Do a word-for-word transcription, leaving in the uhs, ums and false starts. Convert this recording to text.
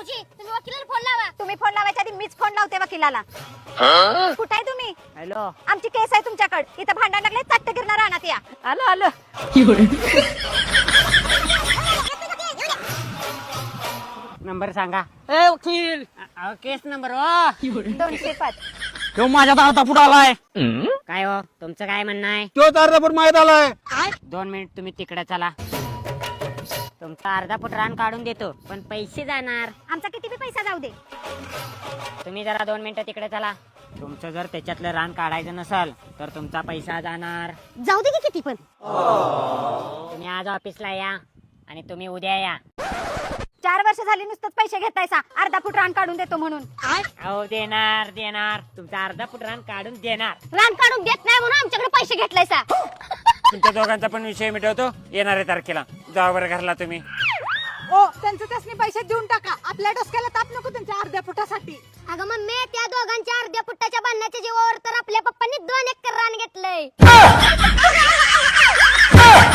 भाऊजी तुम्ही वकिलाला फोन लावा. तुम्ही फोन लावायच्या आधी मीच फोन लावते वकिलाला. कुठे आहे तुम्ही? हॅलो, आमची केस आहे तुमच्याकडे. इथं भांडण लागले, चट्ट गिरणार राहणार या. आलो आलो. नंबर सांगा. ए वकील, अहो, केस नंबर हो. दोनशे पाच. तो माझ्या दारात पुढे आलाय. काय हो, तुमचं काय म्हणणं आहे? तो अर्धा फूट माहित आलाय. दोन मिनिट तुम्ही तिकडे चला. तुमचा अर्धा फूट रान काढून देतो, पण पैसे जाणार. आमचा किती बी पैसा जाऊ दे. तुम्ही जरा दोन मिनिटं तिकडे चला. तुमचं जर त्याच्यातलं रान काढायचं नसेल तर तुमचा पैसा जाणार. जाऊ दे की किती पण. तुम्ही आज ऑफिसला या आणि तुम्ही उद्या या. चार वर्ष झाली नुसतंच पैसे घेतायसा, अर्धा फूट रान काढून देतो म्हणून. अहो, देणार देणार तुमचा अर्धा फूट रान काढून देणार. रान काढून देत नाही म्हणून आमच्याकडे पैसे घेतलायसा. तुमच्या दोघांचा पण विषय मिटवतो येणाऱ्या तारखेला. जावा बरं घरला तुम्ही. ओ त्यांचं त्यासनी पैसे देऊन टाका. आपल्या डोसक्याला ताप नको त्यांच्या अर्ध्या फुटासाठी. अगं मम्मी, त्या दोघांच्या अर्ध्या फुटाच्या बांधण्याच्या जीवावर तर आपल्या पप्पांनी दोन एकर रान घेतलंय.